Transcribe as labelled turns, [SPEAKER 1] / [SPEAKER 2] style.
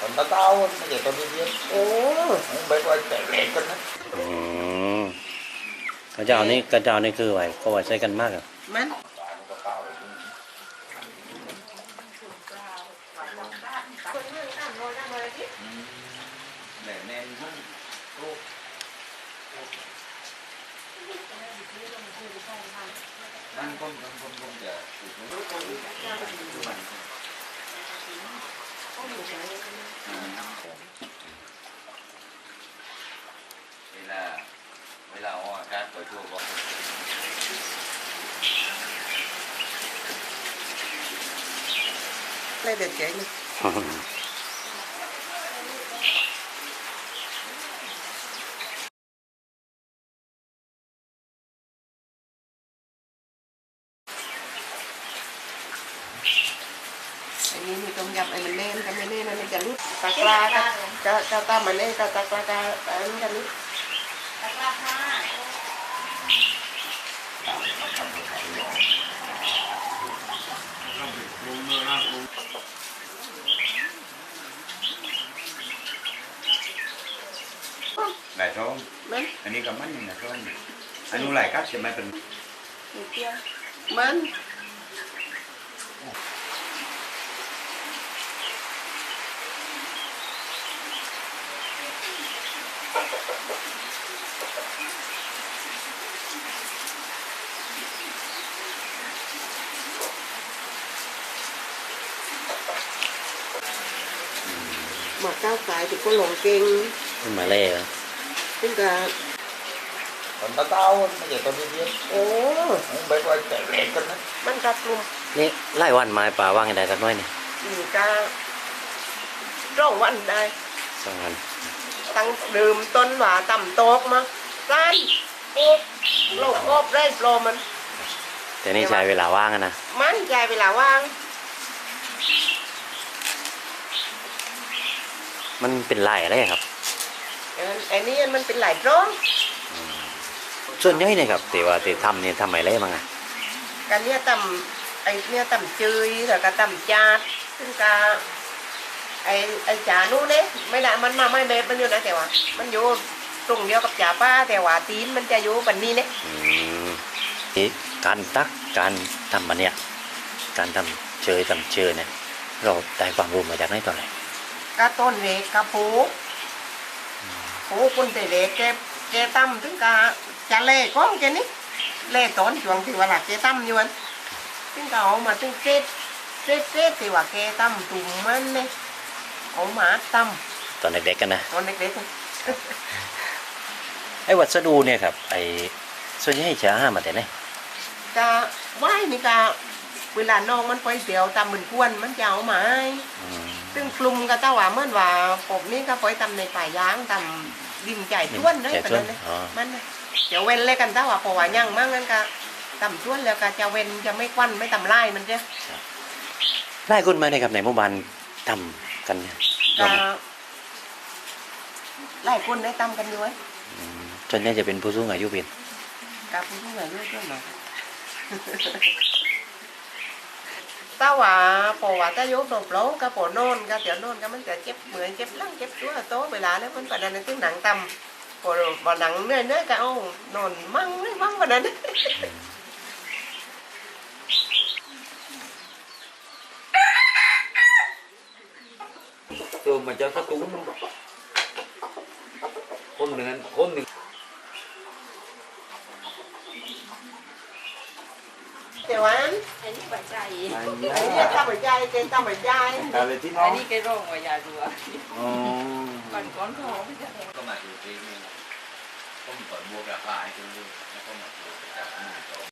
[SPEAKER 1] còn tao tao nó vậy tao đi biết mấy con chạy lẹ con đó
[SPEAKER 2] กระเจ้านี่คือไว้เขาไว้ใช้กันมากอ่ะ
[SPEAKER 3] มัน
[SPEAKER 1] để nên không ăn con để đây là hoa cát của chùa con
[SPEAKER 3] lấy được chạy đi ini nih kamu nhập mình lên này cái lút tạc ra cái ta mà lên cái tạc ra cái lút
[SPEAKER 1] này không anh đi cầm bánh này không anh nuôi lại cắt thì mai tình
[SPEAKER 3] มัน mà cao cái thì có lồng kênh
[SPEAKER 2] mà lê à
[SPEAKER 3] tức là
[SPEAKER 1] còn tao tao nó vậy tao đi biết mấy con chạy lẹ con đó
[SPEAKER 3] มันรับลม
[SPEAKER 2] นี่ไล่วันมาป่าว่างไงได้กันน้อยนี่
[SPEAKER 3] อยู่การ่องวันได้
[SPEAKER 2] สองวัน
[SPEAKER 3] ตั้งดื่มต้นหว่าต่ำโตกมาสั้นโอ๊บโลกโอบได้โปรมัน
[SPEAKER 2] แต่นี่ใช้เวลาว่างอะนะ
[SPEAKER 3] มันใจเวลาว่าง
[SPEAKER 2] มันเป็นไล่อะไรครับ
[SPEAKER 3] ไอ้นี่มันเป็นหลายร้อง
[SPEAKER 2] ส่วนใหญ่เนี่ยครับแต่ว่าแต่ทำเนี่ยทำไมไรบ้างอะ
[SPEAKER 3] กันเนี่ยต่ำไอ้เนี่ยต่ำจืยแล้วก็ต่ำจาดซึ่งกาไอ้จ่านู้นเนี่ยไม่ได้มันมาไม่เบบมันอยู่นะแต่ว่ามันอยู่ตรงเดียวกับจ่าป้าแต่ว่าตีนมันจะอยู่แบบนี้เนี่ย
[SPEAKER 2] นี่การตักการทำมันเนี่ยการทำเชยเนี่ยเราได้ความรู้มาจากไหนตอนไหน
[SPEAKER 3] ก็ต้นเล็กกระปูคนแต่เล็กแกตั้มถึงกาจะเล่ก้องแกนี่เล่ต้นช่วงที่ว่าหลักแกตั้มอยู่อันถึงกาเอามาถึงเกตที่ว่าแกตั้มตุ่มมันเนี่ยเอามาตั้ม
[SPEAKER 2] ตอนเด็กๆกันนะ
[SPEAKER 3] ตอนเล็ก
[SPEAKER 2] ไอ้วัสดุเนี่ยครับไอ้ส่วนใหญ่จะหามาแต่ไหน
[SPEAKER 3] ๆจะไหว้นี่กาเวลาน้องมันไปเสียวตามเหมือนกวนมันจะเอามาให้ซึ่งปรุงก็เต้าว่าเมื่อว่าผมนี่ก็ไปทำในป่ายางทำดินใจท้วนเลยแบบนั้นเลยมันเดี๋ยวเว้นเลยกันเต้าว่าเพราะว่ายังมั่งนั่นก็ทำท้วนแล้วก็จะเว้นจะไม่ควันไม่ทำลายมันเจ้
[SPEAKER 2] ไล่คนมาในยครับในหมู่บ้านทำกันเนี่ย
[SPEAKER 3] ก็หลายคนได้ทำกันด้วย
[SPEAKER 2] ส่วนใหญ่จะเป็นผู้สูงอายุเป็น
[SPEAKER 3] กับผู้ใหญ่ด้วยด้วยหน่อยถ้าว่าพอว่าถ้ายกดบโลก็พอนอนก็เดี๋ยวนอนก็มันจะเจ็บเหมือนเจ็บหลังเจ็บตัวโตเวลาแล้วมันประเด็นตึ้งหนังตำพอบ่หนังเนื้อก็เอานอนมั่งไม่มั่งประเด็น
[SPEAKER 1] thường mà cho cái túng con đừng
[SPEAKER 3] Tiểu An,
[SPEAKER 4] anh đi bạch chạy
[SPEAKER 3] anh đi tao phải trai, tên tao phải trai.
[SPEAKER 4] anh đi cái rong ngoài nhà rùa còn con khó bây giờ
[SPEAKER 1] có mà chủ trì không phải mua cà phê cho luôn nó có mà